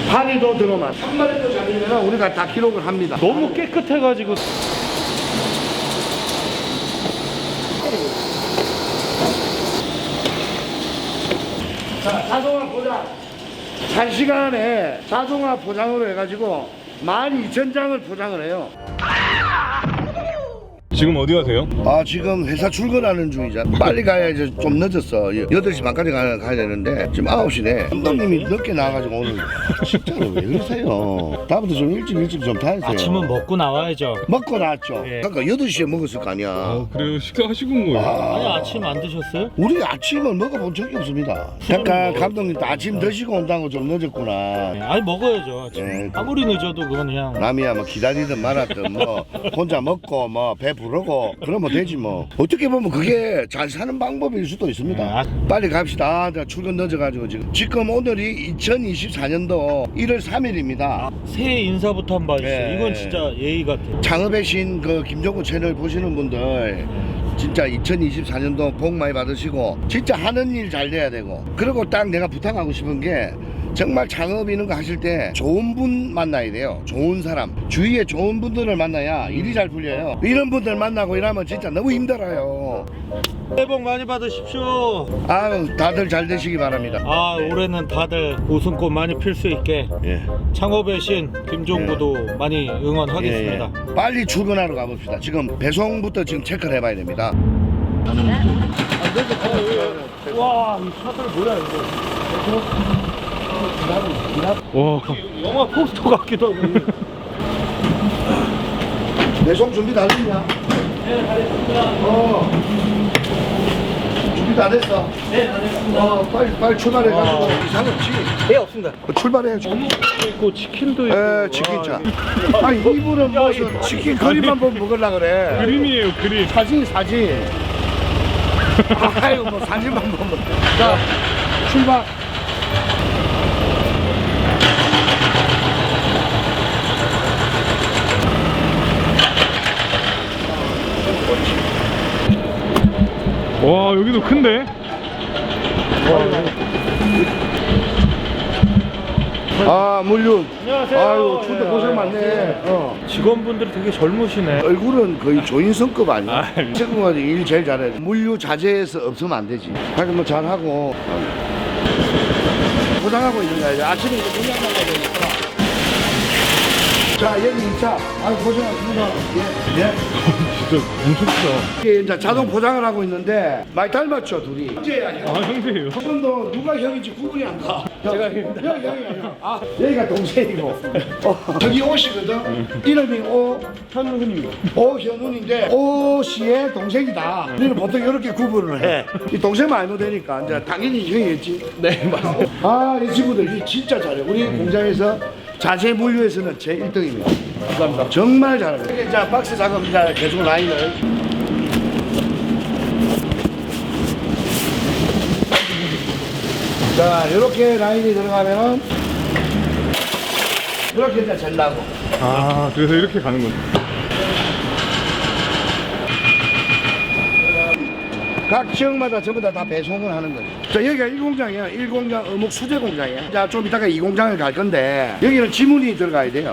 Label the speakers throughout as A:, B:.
A: 파리도 들어만 한 마리도 잡히면 우리가 다 기록을 합니다.
B: 너무 깨끗해가지고.
A: 자, 자동화 포장. 1시간에 자동화 포장으로 해가지고 12,000장을 포장을 해요.
C: 지금 어디 가세요?
A: 아, 지금 회사 출근하는 중이잖아. 빨리 가야지. 좀 늦었어. 8시 반까지 가야 되는데 지금 9시네. 감독님이 늦게 나와가지고 오늘 진짜로 왜 그러세요? 다음부터 좀 일찍 좀 다니세요.
B: 아침은 먹고 나와야죠.
A: 먹고 나왔죠.
B: 예.
A: 그러니까 8시에 먹었을 거 아니야.
C: 그래요? 식사하시고 온 거예요?
B: 아니 아침 안 드셨어요?
A: 우리 아침을 먹어본 적이 없습니다. 잠깐 감독님도 아침 드시고 온다고 좀 늦었구나.
B: 아니 먹어야죠. 아침.
A: 예.
B: 아무리 늦어도 그건 그냥.
A: 남이야 뭐 기다리든 말았든 뭐 혼자 먹고 뭐 배 부르고 그러면 되지 뭐. 어떻게 보면 그게 잘 사는 방법일 수도 있습니다. 빨리 갑시다. 출근 늦어가지고 지금 오늘이 2024년도 1월 3일입니다.
B: 새해 인사부터 한번 봐주세요.
A: 예.
B: 이건 진짜 예의 같아요.
A: 창업의 신 그 김종구 채널 보시는 분들 진짜 2024년도 복 많이 받으시고 진짜 하는 일 잘 돼야 되고, 그리고 딱 내가 부탁하고 싶은 게 정말 창업 이런 거 하실 때 좋은 분 만나야 돼요. 좋은 사람, 주위에 좋은 분들을 만나야 일이 잘 풀려요. 이런 분들 만나고 이러면 진짜 너무 힘들어요.
B: 새해 복 많이 받으십시오.
A: 아유, 다들 잘 되시기 바랍니다.
B: 아, 올해는 다들 웃음꽃 많이 필 수 있게
A: 예.
B: 창업의 신 김종구도 많이 응원하겠습니다.
A: 예. 빨리 출근하러 가봅시다. 지금 배송부터 지금 체크를 해봐야 됩니다.
B: 와, 이 차들 뭐야 이거?
C: 와.
B: 영화 포스터 같기도 하고.
A: 배송 준비 다 됐냐?
B: 네, 잘했습니다.
A: 준비 다 됐어?
B: 네, 잘했습니다.
A: 빨리 출발해가지고 이상 없지?
B: 네, 없습니다.
A: 출발해야지.
B: 어묵도 있고 치킨도 있고.
A: 에, 치킨자. 아니, 이분은 무슨 치킨 그림만 보면 먹으려고 그래.
C: 그림이에요, 그림.
A: 사진. 아유, 뭐 사진만 보면. 자, 출발.
C: 와, 여기도 큰데?
A: 아, 물류.
B: 안녕하세요.
A: 아유, 출도
B: 예,
A: 고생
B: 예.
A: 많네.
B: 직원분들이 되게 젊으시네.
A: 얼굴은 거의 조인성급 아니야? 친구가 일 제일 잘해. 물류 자재에서 없으면 안 되지. 하여튼 뭐 잘하고. 포장하고 있는 거야. 이제 아침에 이제 물량 나가야 되니까. 자, 여기 2차. 아유, 고생하셨습니다. 예.
C: 진짜 엄청 크다.
A: 이게 이제 자동 포장을 하고 있는데 많이 닮았죠, 둘이. 형제야, 형.
C: 아, 형제예요?
A: 한 번도 누가 형인지 구분이 안 가. 제가 형이야. 아, 여기가 동생이고. 저기 오씨거든. 이름이 오현훈입니다. 오현훈인데 오씨의 동생이다. 우리는 보통 이렇게 구분을 해. 이 동생만 알면 되니까 이제 당연히 형이겠지. 네, 맞아요. 아, 이 친구들 진짜 잘해. 우리 공장에서 자재 물류에서는 제 1등입니다. 감사합니다. 정말 잘합니다. 이게 이제 박스 작업 이제 계속 라인을. 자, 이렇게 라인이 들어가면 이렇게 이제 잘나고.
C: 아, 그래서 이렇게 가는 거죠.
A: 각 지역마다 전부 다 배송을 하는 거죠. 자, 여기가 1공장이야. 1공장 어묵 수제 공장이야. 자, 좀 이따가 2공장을 갈 건데 여기는 지문이 들어가야 돼요.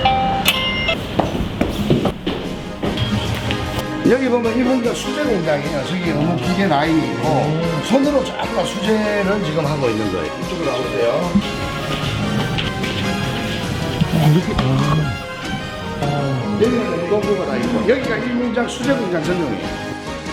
A: 여기 보면 1공장 수제 공장이에요. 저기 어묵 기계 라인이 있고 손으로 전부 다 수제를 지금 하고 있는 거예요. 이쪽으로 나오세요. 여기는 공구가 다 있고 여기가 1공장 수제 공장 전용이에요.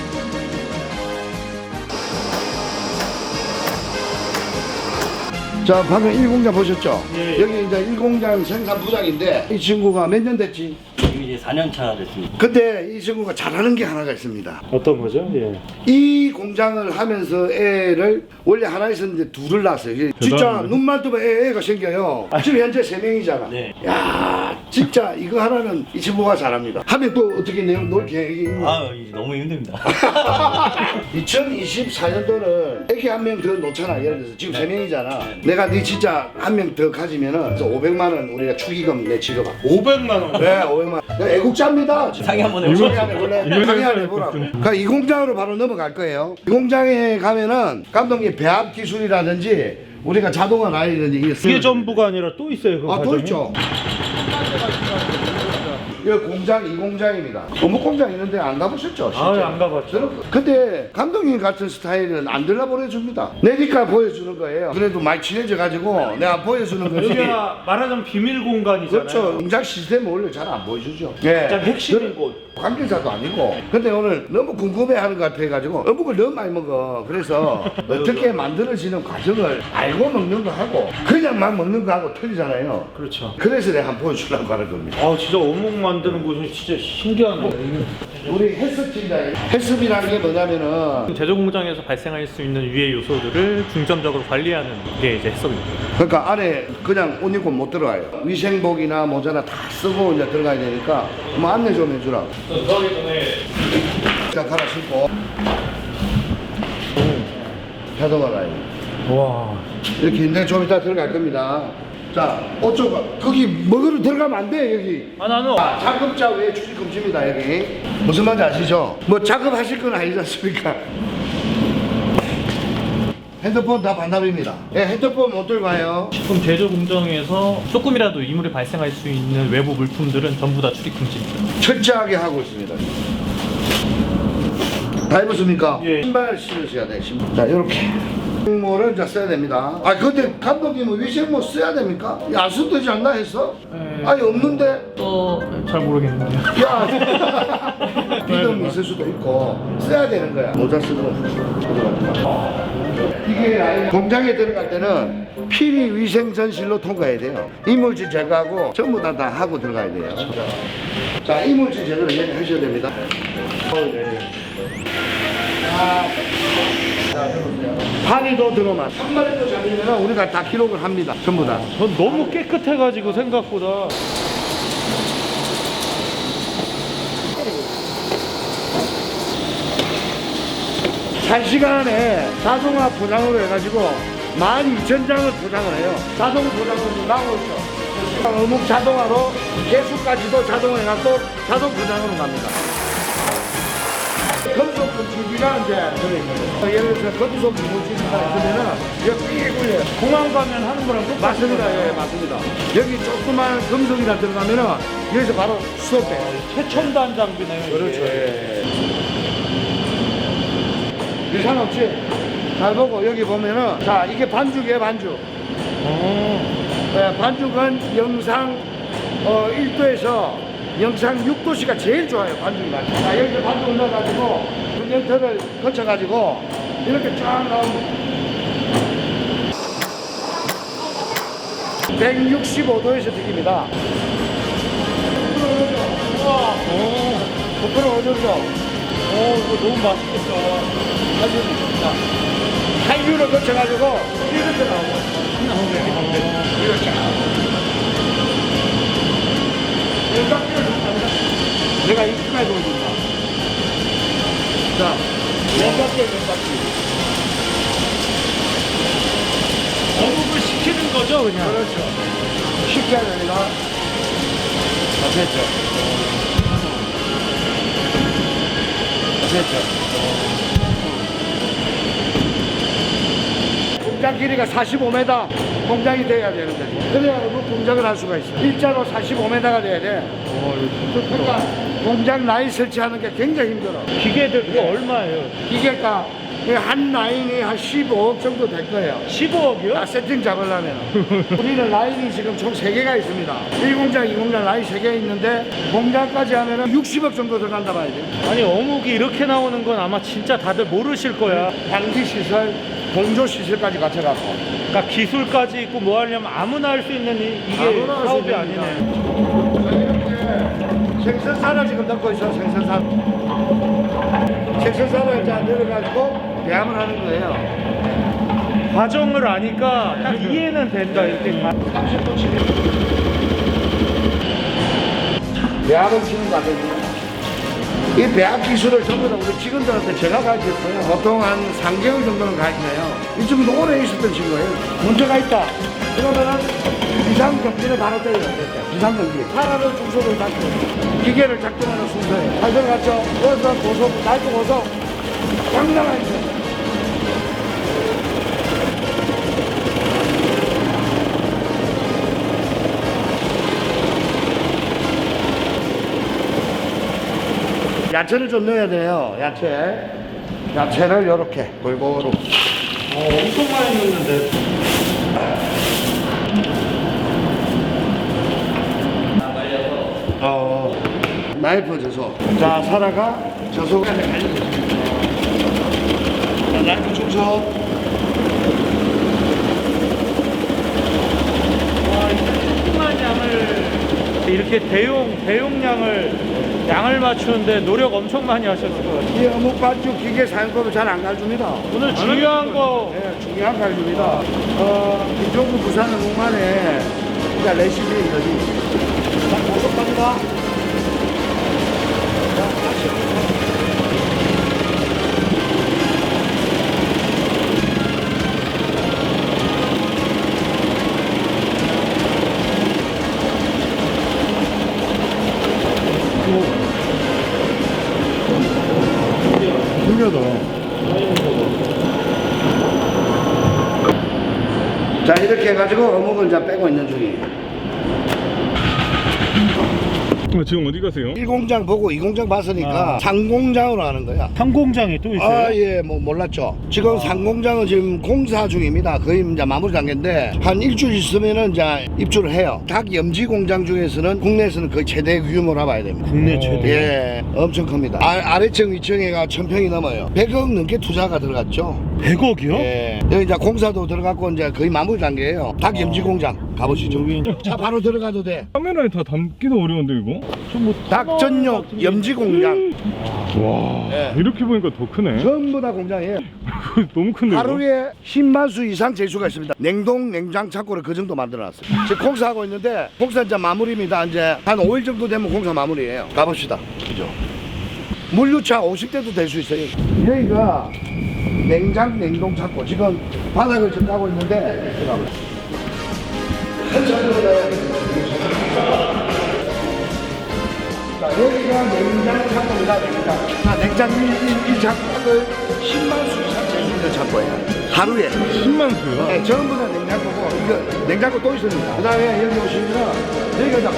A: 자, 방금 1공장 보셨죠?
B: 예.
A: 여기 이제 1공장 생산 부장인데 이 친구가 몇 년 됐지?
D: 지금 이제 4년 차 됐습니다.
A: 근데 이 친구가 잘하는 게 하나가 있습니다.
B: 어떤 거죠? 예.
A: 이 공장을 하면서 애를 원래 하나 있었는데 둘을 낳았어요. 이게 진짜
C: 대단하네.
A: 눈만 뜨면 애가 생겨요. 지금 현재 3명이잖아.
D: 네.
A: 야, 진짜 이거 하나는 이 친구가 잘합니다. 하면 또 어떻게 내용 놀 계획이 있는
D: 아, 이제 너무 힘듭니다.
A: 2024년도는 애기 한 명 더 놓잖아. 예를 들어서 지금 3명이잖아. 내가 네 진짜 한 명 더 가지면은 500만 원 우리가 축의금 내 지급하.
B: 500만 원.
A: 네, 500만 원. 애국자입니다.
D: 상의 한번
A: 이거
D: 해보죠.
A: 상의 한번 해볼래? 상의 한번 해보라고. 그러니까 이 공장으로 바로 넘어갈 거예요. 이 공장에 가면은 감독님 배합 기술이라든지 우리가 자동화 라인은 이게
B: 이게 전부가 아니라 또 있어요 그
A: 또
B: 과정이?
A: 있죠. 여기 공장 이 공장입니다. 어묵 공장 있는데 안 가보셨죠? 실제로?
B: 안 가봤죠.
A: 근데 감독님 같은 스타일은 안 들라 보내줍니다. 내니까 보여주는 거예요. 그래도 많이 친해져 가지고 내가 보여주는 거지.
B: 여기가 말하자면 비밀 공간이잖아요.
A: 그렇죠. 공장 시스템 원래 잘 안 보여주죠. 예.
B: 가장 핵심인 곳.
A: 관계자도 아니고. 근데 오늘 너무 궁금해하는 것 같아가지고 어묵을 너무 많이 먹어. 그래서 어떻게 만들어지는 과정을 알고 먹는 거 하고 그냥 막 먹는 거 하고 틀리잖아요.
B: 그렇죠.
A: 그래서 내가 한번 보여주려고 하는 겁니다.
B: 아 진짜 어묵 만드는 곳은 진짜 신기하네.
A: 우리 헬스팀장 헬스비라는 게 뭐냐면은
E: 제조 공장에서 발생할 수 있는 유해 요소들을 중점적으로 관리하는 게 이제 해썹입니다.
A: 그러니까 안에 그냥 옷 입고 못 들어가요. 위생복이나 모자나 다 쓰고 이제 들어가야 되니까 뭐 안내 좀 해주라.
E: 들어가기 전에
A: 자 갈아 신고 자동화 라인
B: 와.
A: 이렇게 있는데 좀 이따 들어갈 겁니다. 자 어쩌고 거기 먹으러 들어가면 안 돼 여기.
E: 아 나는
A: 작업자 외에 출입 금지입니다 여기. 무슨 말인지 아시죠? 뭐 작업하실 건 아니지 않습니까? 핸드폰 다 반납입니다. 예, 핸드폰 못 들고 가요.
E: 식품 제조 공정에서 조금이라도 이물이 발생할 수 있는 외부 물품들은 전부 다 출입 금지입니다.
A: 철저하게 하고 있습니다. 다 입었습니까?
B: 예.
A: 신발 신으셔야 돼. 신발. 자, 이렇게. 위생모를 이제 써야 됩니다. 아, 근데 감독님은 위생모 써야 됩니까? 안 써도 되지 않나 했어? 아니, 없는데?
E: 잘 모르겠는데요.
A: 야, 믿음이 있을 수도 있고 써야 되는 거야. 모자 쓰고 들어갑니다. 이게 라인 공장에 들어갈 때는 필히 위생 전실로 통과해야 돼요. 이물질 제거하고 전부 다 하고 들어가야 돼요. 자, 이물질 제거를 여기 하셔야 됩니다. 자, 들어보세요. 파니도 들어만. 한 마리도 잡으면 우리가 다 기록을 합니다. 전부 다.
B: 전 너무 깨끗해가지고 생각보다.
A: 한 시간에 자동화 포장으로 해가지고 12,000장을 포장을 해요. 자동 포장으로 나오고 있죠. 어묵 자동화로 개수까지도 자동화해갖고 자동 포장으로 갑니다. 금속 분출기가 이제 들어있는 거예요. 예를 들어서 금속 분출기가 있으면은 여기 삐 굴려요.
B: 공항 가면 하는 거랑 똑같은
A: 맞습니다.
B: 거예요.
A: 예, 맞습니다. 여기 조그만 금속이나 들어가면은 여기서 바로 수업돼요.
B: 최첨단 장비네요. 이게.
A: 그렇죠. 예. 이상 없지? 잘 보고 여기 보면은 자 이게 반죽이에요 반죽. 네, 반죽은 영상 1도에서 영상 6도씨가 제일 좋아요 반죽이. 자 여기 반죽을 넣어가지고 분연터를 거쳐가지고 이렇게 쫙 나옵니다. 165도에서 튀깁니다. 우와, 부끄러워 오죠.
B: 이거 너무 맛있겠다.
A: 한류를 거쳐가지고 이렇게 나오고 이렇게 내가 이렇게까지 보여준다. 자, 왼바퀴
B: 어묵을 시키는 거죠 그냥.
A: 그렇죠. 쉽게 하면 내가 됐죠. 됐죠. 공장 길이가 45m 공장이 돼야 되는데 그래야 공장을 할 수가 있어. 일자로 45m가 돼야 돼. 그러니까 공장 라인 설치하는 게 굉장히 힘들어.
B: 기계들 이거 얼마예요?
A: 기계가 한 라인이 한 15억 정도 될 거예요.
B: 15억이요?
A: 다 세팅 잡으려면 우리는 라인이 지금 총 3개가 있습니다. 1공장, 2공장 라인 3개 있는데 공장까지 하면 60억 정도 들어간다 봐야 돼.
B: 아니 어묵이 이렇게 나오는 건 아마 진짜 다들 모르실 거야.
A: 방지시설, 공조시설까지 갖춰갖고
B: 그러니까 기술까지 있고 뭐 하려면 아무나 할 수 있는 이게
A: 아무나 할수
B: 사업이
A: 있는
B: 아니네.
A: 이렇게 생선살을 지금 넣고 있어. 생선살 이제 넣어가지고 배합을 하는 거예요.
B: 과정을 아니까 딱 이해는 된다 이렇게 다.
A: 30분 치면 배합을 치는 거 아니에요. 이 배합 기술을 전부 다 우리 직원들한테 제가 가르쳤어요. 보통 한 3개월 정도는 가르쳐요. 이 친구도 오래 있었던 친구예요. 문제가 있다. 그러면은 비상경비를 바로 때려야 돼. 비상경비. 하나는 중소를 닫고 기계를 작동하는 순서예요. 잘 들어갔죠? 여기서 고속, 날도 고속. 장난 아니죠? 야채를 좀 넣어야 돼요. 야채를 이렇게 골고루.
B: 엄청 많이 넣는데.
A: 나이프 젖소. 자, 사라가 젖소까지 갈려주세요. 자, 나이프 충성.
B: 조그만 양을 이렇게 대용량을 양을 맞추는데 노력 엄청 많이 하셨을 것 같아요.
A: 이 어묵 반죽 기계 사용법을 잘 안 가르칩니다.
B: 오늘 중요한 거
A: 네, 중요한 거 가르칩니다. 김종국 부산 어묵만의 진짜 레시피 여기. 자, 고속합니다. 자, 다시.
C: 신기하다.
A: 자, 이렇게 해가지고 어묵을 이제 빼고 있는 중이에요.
C: 지금 어디 가세요?
A: 1공장 보고 2공장 봤으니까 상공장으로 하는 거야.
B: 상공장이 또 있어요?
A: 아, 예, 뭐 몰랐죠. 지금 상공장은 지금 공사 중입니다. 거의 이제 마무리 단계인데 한 일주일 있으면은 이제 입주를 해요. 닭 염지 공장 중에서는 국내에서는 거의 최대 규모라 봐야 됩니다.
B: 국내 최대.
A: 예, 엄청 큽니다. 아래층 위층에가 1000평이 넘어요. 100억 넘게 투자가 들어갔죠.
B: 100억이요?
A: 예, 여기 이제 공사도 들어갔고 이제 거의 마무리 단계예요. 닭 염지 공장 가보시죠. 차 바로 들어가도 돼.
C: 카메라에 다 담기도 어려운데 이거?
A: 닭 전용 염지 공장.
C: 와
A: 네.
C: 이렇게 보니까 더 크네.
A: 전부 다 공장이에요.
C: 너무 큰데 이거?
A: 하루에 10만 수 이상 제수가 있습니다. 냉동 냉장 창고를 그 정도 만들어놨어요. 지금 공사하고 있는데 공사 이제 마무리입니다. 이제 한 5일 정도 되면 공사 마무리예요. 가봅시다. 그죠? 물류차 50대도 될 수 있어요. 여기가 냉장 냉동 창고. 지금 바닥을 지금 까고 있는데 자, 여기가 냉장 창고입니다. 냉장. 자, 냉장 1창고를 10만 수 이상 제수있는 창고예요. 하루에.
C: 10만 수요?
A: 네, 전부 다 냉장고고, 이거 냉장고 또 있습니다. 그 다음에 여기 오시면, 여기가 이제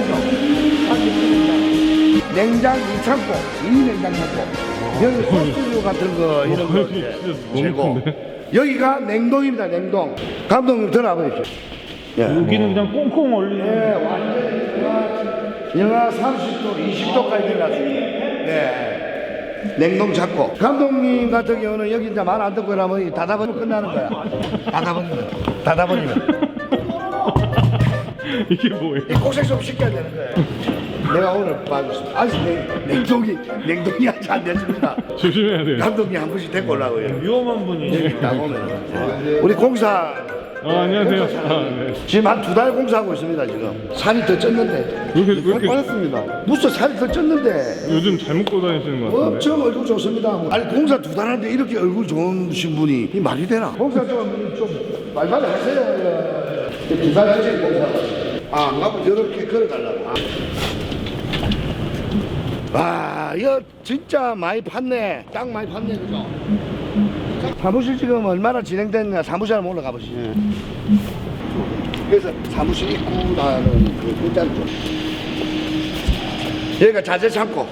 A: 공장이죠. 냉장 2창고, 2냉장 창고. 여기 소스류 같은 거, 이런 거. 이제
C: 너무
A: 재고.
C: 큰데?
A: 여기가 냉동입니다, 냉동. 감독님 들어가보십시오. 예.
B: 여기는 그냥 꽁꽁 얼리는.
A: 네, 완전히 영하 30도, 20도까지 내려갔습니다. 네. 냉동 찾고. 감독님 같은 경우는 여기 이제 말 안 듣고 이러면 닫아버리면 끝나는 거야. 닫아버리면.
C: 이게 뭐예요?
A: 이 고생 좀 시켜야 되는 거예요. 내가 오늘 봐줬습니다. 아직 냉동이 아직 안 됐습니다.
C: 조심해야 돼요.
A: 감독님 한 분씩 데리고 오려고요.
B: 위험한 분이.
A: 여기 나오면. 우리 공사.
C: 안녕하세요. 네.
A: 지금 한 2달 공사하고 있습니다, 지금. 살이 더 쪘는데.
C: 왜 이렇게
A: 빠졌습니다. 무슨 살이 더 쪘는데.
C: 요즘 잘 먹고 다니시는 것 같은데?
A: 엄청 얼굴 좋습니다. 아니 공사 2달 하는데 이렇게 얼굴 좋으신 분이 이 말이 되나? 공사 좀 말만 하세요. 2달 하지 공사. 안 가면 이렇게 걸어가려고. 와, 이거 진짜 많이 팠네. 딱 많이 팠네, 그죠? 사무실 지금 얼마나 진행됐냐 사무실 한번 올라가 보시죠. 그래서 사무실 입구라는 그 끝자리 쪽. 여기가 자재 창고.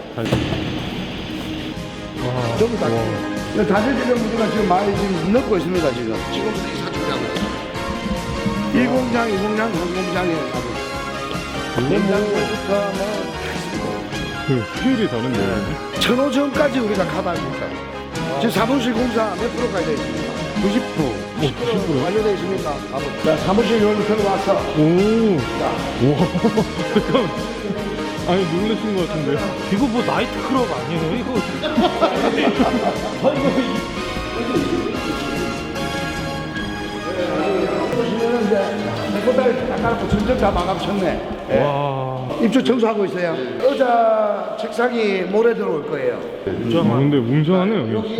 A: 전부 다. 자재 지금 우리가 지금 많이 지금 넣고 있습니다 지금. 지금부터 이사 준비하고 있어요. 1공장, 2공장, 3공장에 가고. 냉장고부터 뭐.
C: 그 스케일이 다른데.
A: 1,500원까지 우리가 커버하고 있다고. 지금 사무실 공사 몇 프로까지 되어 있습니까? 90%.
C: 90%?
A: 완료되어 있습니까? 자, 사무실 여기 들어왔어.
C: 오. 와. 잠깐. 아니 놀라신 것 같은데.
B: 이거 뭐 나이트클럽 아니에요? 이거.
A: 보시면은 이제 내꺼다리 닦아놓고 점점 다 마감쳤네. 예.
B: 와.
A: 입주 청소하고 있어요. 의자, 책상이 모레 들어올 거예요.
C: 근데 웅장하네요 여기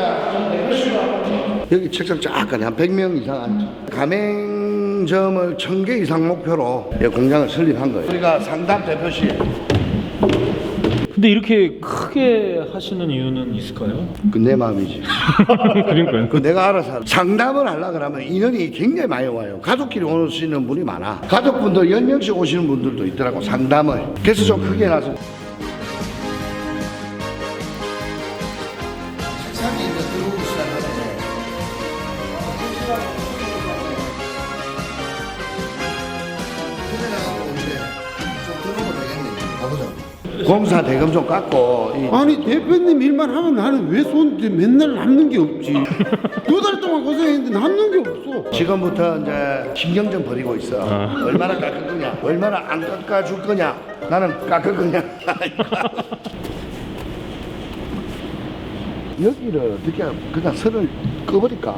C: 진짜.
A: 여기 책상 쫙까지 한 100명 이상 앉죠. 가맹점을 1000개 이상 목표로 공장을 설립한 거예요. 우리가 상담 대표실.
B: 근데 이렇게 크게 하시는 이유는 있을까요?
A: 그 내 마음이지.
C: 그러니까요.
A: 그 내가 알아서 할래. 상담을 하려 그러면 인원이 굉장히 많이 와요. 가족끼리 오시는 분이 많아. 가족분들 10명씩 오시는 분들도 있더라고 상담을. 그래서 좀 크게 나서 공사 대금 좀 깎고
F: 아니 대표님 일만 하면 나는 왜 손 맨날 남는 게 없지? 2달 동안 고생했는데 남는 게 없어.
A: 지금부터 이제 신경 좀 버리고 있어. 얼마나 깎을 거냐, 얼마나 안 깎아줄 거냐, 나는 깎을 거냐. 여기를 어떻게 그냥 선을 꺼버릴까?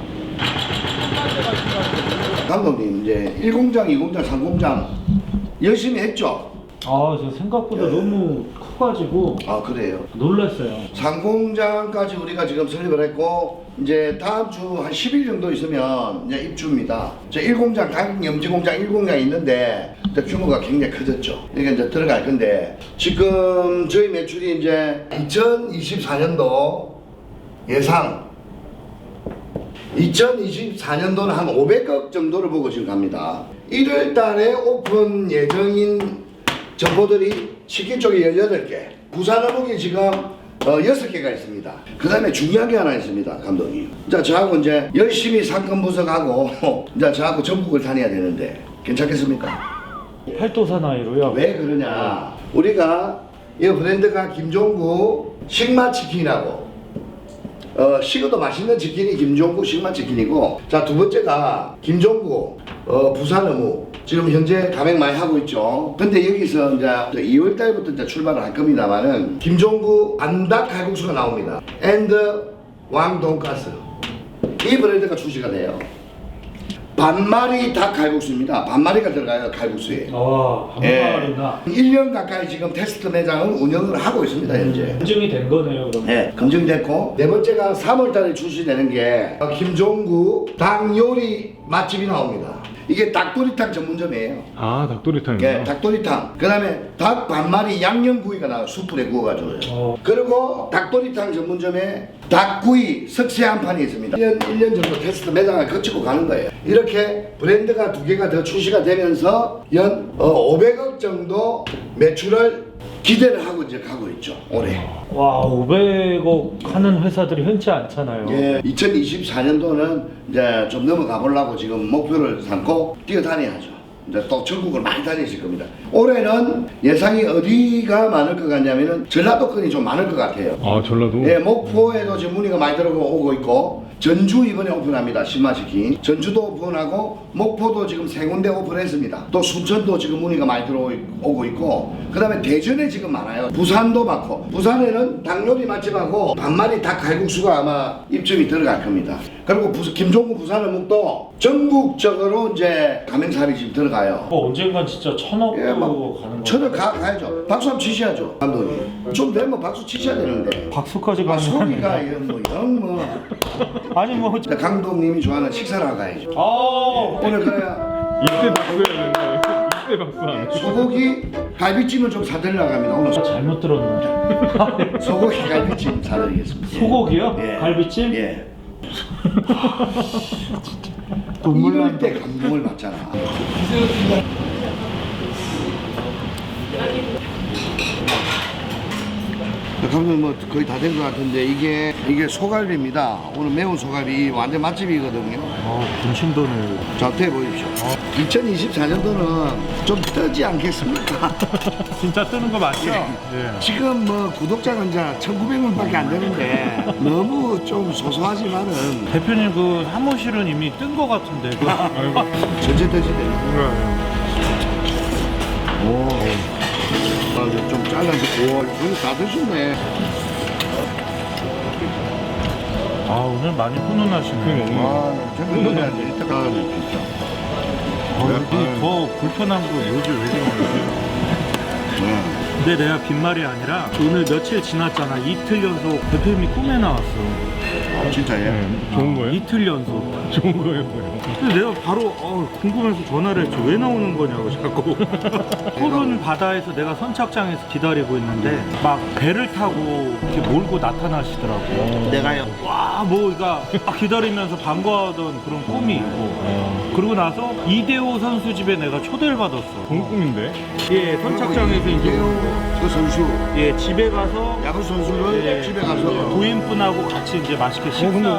A: 감독님 이제 1공장, 2공장, 3공장 열심히 했죠?
B: 아, 저 생각보다 너무 커가지고
A: 아 그래요.
B: 놀랐어요.
A: 3공장까지 우리가 지금 설립을 했고 이제 다음 주 한 10일 정도 있으면 이제 입주입니다. 저 1공장 강염지공장 1공장이 있는데 규모가 굉장히 커졌죠. 이게 이제 들어갈 건데 지금 저희 매출이 이제 2024년도 예상 2024년도는 한 500억 정도를 보고 지금 갑니다. 1월 달에 오픈 예정인 점포들이 치킨 쪽에 18개, 부산 어묵이 지금 6개가 있습니다. 그 다음에 중요한 게 하나 있습니다, 감독님. 자, 저하고 이제 열심히 상권 분석하고, 이제 저하고 전국을 다녀야 되는데, 괜찮겠습니까?
B: 팔도 사나이로요.
A: 왜 그러냐. 우리가 이 브랜드가 김종구 식마치킨이라고, 식어도 맛있는 치킨이 김종구 식마치킨이고, 자, 두 번째가 김종구 부산 어묵. 지금 현재 가맹 많이 하고 있죠. 근데 여기서 이제 2월 달부터 이제 출발을 할 겁니다만은 김종구 안닭 칼국수가 나옵니다. 앤드 왕 돈가스. 이 브랜드가 출시가 돼요. 반마리 닭 칼국수입니다. 반마리가 들어가요, 칼국수에.
B: 와, 반마리나.
A: 1년 가까이 지금 테스트 매장을 운영을 하고 있습니다, 현재.
B: 검증이 된 거네요, 그럼.
A: 네, 검증됐고 네 번째가 3월 달에 출시되는 게 김종구 닭 요리 맛집이 나옵니다. 이게 닭도리탕 전문점이에요.
C: 아, 닭도리탕이요?
A: 네, 닭도리탕. 그 다음에 닭 반마리 양념구이가 나와요. 숯불에 구워가지고요. 그리고 닭도리탕 전문점에 닭구이 석쇠 한 판이 있습니다. 1년 정도 테스트 매장을 거치고 가는 거예요. 이렇게 브랜드가 2개가 더 출시가 되면서 연 500억 정도 매출을 기대를 하고 이제 가고 있죠, 올해.
B: 와, 500억 하는 회사들이 흔치 않잖아요.
A: 예, 2024년도는 이제 좀 넘어가 보려고 지금 목표를 삼고 뛰어다녀야죠. 이제 또 전국을 많이 다니실 겁니다. 올해는 예상이 어디가 많을 것 같냐면은 전라도권이 좀 많을 것 같아요.
C: 아, 전라도?
A: 예, 목포에도 지금 문의가 많이 들어오고 있고 전주 이번에 오픈합니다. 신마치킨 전주도 오픈하고 목포도 지금 3군데 오픈했습니다. 또 순천도 지금 문의가 많이 들어오고 있고 그 다음에 대전에 지금 많아요. 부산도 많고 부산에는 닭요리 맛집하고 반마리 닭 칼국수가 아마 입점이 들어갈 겁니다. 그리고 김종구 부산 어묵도 전국적으로 이제 가맹사업이 지금 들어가요.
B: 언젠간 진짜 1000억도
A: 예, 막
B: 가는 거.
A: 저를 가야죠. 박수 한번 치셔야죠, 감독님. 좀 되면 박수 치셔야 되는데.
B: 박수까지
A: 아,
B: 가는
A: 소리가 영
B: 아니 뭐.
A: 감독님이 좋아하는 식사를 하고 가야죠.
B: 아,
A: 오늘 그래야
C: 이때 박수 해야 되는데. 이때 박수 안 해.
A: 소고기 갈비찜을 좀 사드리려고 합니다. 오늘
B: 잘못 들었네.
A: 소고기 갈비찜 사드리겠습니다.
B: 소고기요?
A: 예.
B: 갈비찜?
A: 예.
B: 눈물
A: 이럴
B: 난다.
A: 때 감동을 받잖아. 감독님 뭐 거의 다 된 것 같은데 이게 소갈비입니다. 오늘 매운 소갈비 완전 맛집이거든요.
B: 군침 도네요.
A: 자, 대 보십시오. 2024년도는 좀 뜨지 않겠습니까?
B: 진짜 뜨는 거 맞죠?
A: 지금 뭐 구독자가 이제 1,900명밖에 안 되는데 너무 좀 소소하지만은
B: 대표님 그 사무실은 이미 뜬 거 같은데.
A: 전체 뜨지네. 오, 좀 잘라서 오, 이거 다 드셨네.
B: 아, 오늘 많이 훈훈하시네.
A: 아, 생각해야지. 이따가 진짜.
B: 더 불편한 거 요즘 왜 그런 거지? 근데 내가 빈말이 아니라 오늘 며칠 지났잖아. 이틀 연속 대표님이 꿈에 나왔어.
A: 진짜 예.
C: 좋은 거예요?
B: 이틀 연속.
C: 좋은 거예요, 뭐예요?
B: 근데 내가 바로 궁금해서 전화를 했죠. 왜 나오는 거냐고 자꾸. 푸른 바다에서 내가 선착장에서 기다리고 있는데 막 배를 타고 이렇게 몰고 나타나시더라고.
A: 내가요.
B: 와, 뭐가 기다리면서 반가워하던 그런 꿈이 있고. 그러고 나서 이대호 선수 집에 내가 초대를 받았어.
C: 좋은 꿈인데?
B: 예, 선착장에서 이제
A: 그 선수
B: 예, 집에 가서
A: 야구 선수를
B: 예,
A: 집에 가서
B: 부인분하고 같이 이제 맛있게 식사하고 막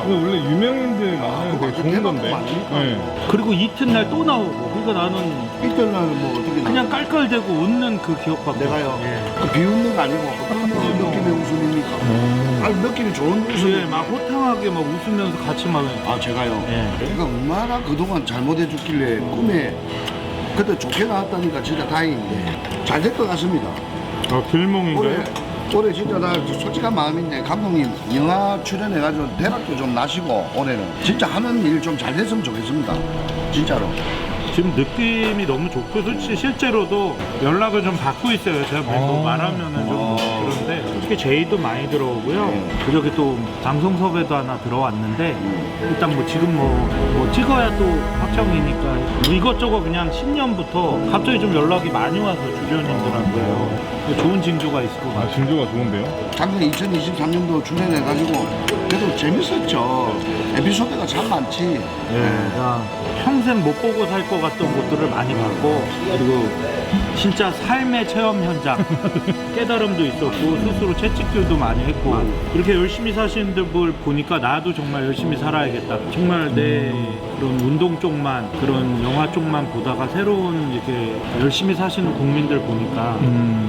C: 근데 원래 유명인들 만나는 되게 좋은 건데. 네.
B: 그리고 이튿날 또 나오고. 그러니까 나는
A: 이튿날은 뭐 어떻게 나?
B: 그냥 깔깔대고 웃는 그 기억밖에.
A: 내가요.
B: 없어요. 예.
A: 그 비웃는 거 아니고 어떤 느낌의 웃음입니까? 아니 느낌이 좋은 웃음.
B: 예, 막 호탕하게 막 웃으면서 같이 막.
A: 아 제가요.
B: 예.
A: 내가 얼마나 그동안 잘못해줬길래 꿈에 그때 좋게 나왔다니까 진짜 다행인데 잘 될 것 같습니다.
C: 아, 필몽인가요?
A: 올해 진짜 나 솔직한 마음인데 감독님 영화 출연해가지고 대박도 좀 나시고 올해는 진짜 하는 일 좀 잘 됐으면 좋겠습니다. 진짜로.
B: 지금 느낌이 너무 좋고 솔직히 실제로도 연락을 좀 받고 있어요. 제가 뭐 말하면은 좀 그런데 솔직히 제의도 많이 들어오고요. 그저께 또 방송 섭외도 하나 들어왔는데 일단 뭐 지금 뭐 찍어야 또 확정이니까 뭐 이것저것 그냥 신년부터 갑자기 좀 연락이 많이 와서 주변인들한테요. 좋은 징조가 있을 것
C: 아,
B: 같아요.
C: 징조가 좋은데요?
A: 작년 2023년도 출연해가지고 그래도 재밌었죠. 에피소드가 참 많지.
B: 그냥 평생 못 보고 살 것 같던 곳들을 많이 봤고 그리고 진짜 삶의 체험 현장 깨달음도 있었고 스스로 채찍질도 많이 했고 이렇게 열심히 사시는 분들 보니까 나도 정말 열심히 살아야겠다. 정말 내 그런 운동 쪽만 그런 영화 쪽만 보다가 새로운 이렇게 열심히 사시는 국민들 보니까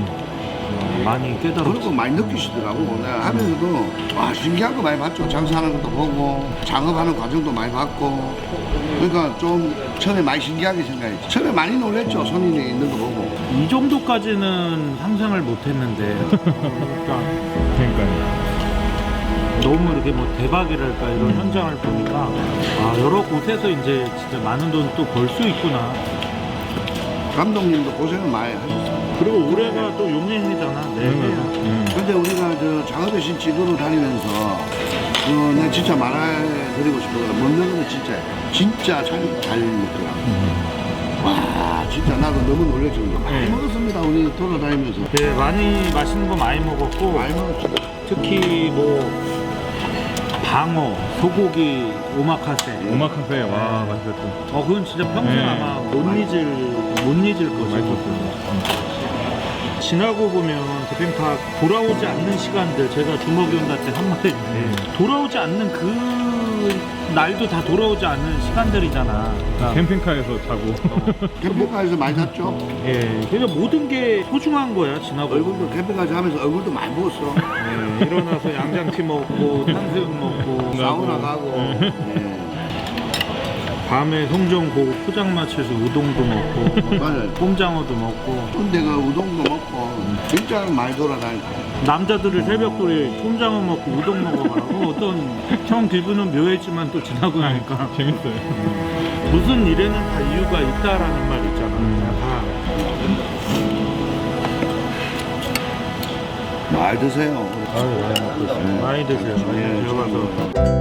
B: 많이
A: 그런
B: 깨달았어.
A: 거 많이 느끼시더라고. 내가 하면서도 와 신기한 거 많이 봤죠. 장사하는 것도 보고 작업하는 과정도 많이 봤고 그러니까 좀 처음에 많이 신기하게 생각했지. 처음에 많이 놀랬죠. 손님이 있는 거 보고.
B: 이 정도까지는 상상을 못 했는데 그러니까
C: 그러니까요.
B: 너무 이렇게 뭐 대박이랄까 이런 현장을 보니까 아 여러 곳에서 이제 진짜 많은 돈 또 벌 수 있구나.
A: 감독님도 고생을 많이 하셨어요.
B: 그리고 올해가 또 용해해잖아. 네.
A: 근데 우리가 저 장어대신 찍으러 다니면서 내가 진짜 말해드리고 싶은 건 먹는 거는 진짜 잘 먹더라고. 와 진짜 나도 너무 놀랬죠. 많이 먹었습니다. 우리 돌아다니면서.
B: 네, 많이 맛있는 거 많이 먹었고
A: 많이 먹었죠.
B: 특히 뭐 방어, 소고기, 오마카세.
C: 오마카세, 와, 맛있었죠.
B: 그건 진짜 평생
C: 네.
B: 아마 못 잊을 것이고.
C: 맛있었어요.
B: 지나고 보면 캠핑카 돌아오지 않는 시간들 제가 주먹이 온다 때 한마디인데 돌아오지 않는 그 날도 다 돌아오지 않는 시간들이잖아. 그러니까
C: 캠핑카에서 자고.
A: 캠핑카에서 많이 샀죠.
B: 예, 그러니까 모든 게 소중한 거야 지나고.
A: 얼굴도 캠핑카에서 하면서 얼굴도 많이 부었어.
B: 예, 일어나서 양장피 먹고 탕수육 먹고
A: 사우나 가고.
B: 밤에 송정 보고 포장마차에서 우동도 먹고
A: 맞아요.
B: 꼼장어도 먹고
A: 근데 그 우동도 먹고 진짜 많이 돌아다니고.
B: 남자들을 새벽돌이 꼼장어 먹고 우동 먹어가고 어떤 형 기분은 묘했지만 또 지나고 나니까
C: 재밌어요.
B: 무슨 일에는 다 이유가 있다라는 말 있잖아. 다
A: 많이 드세요.
C: 아유, 많이 먹고 있어요.
B: 많이 드세요. 많이 들어가서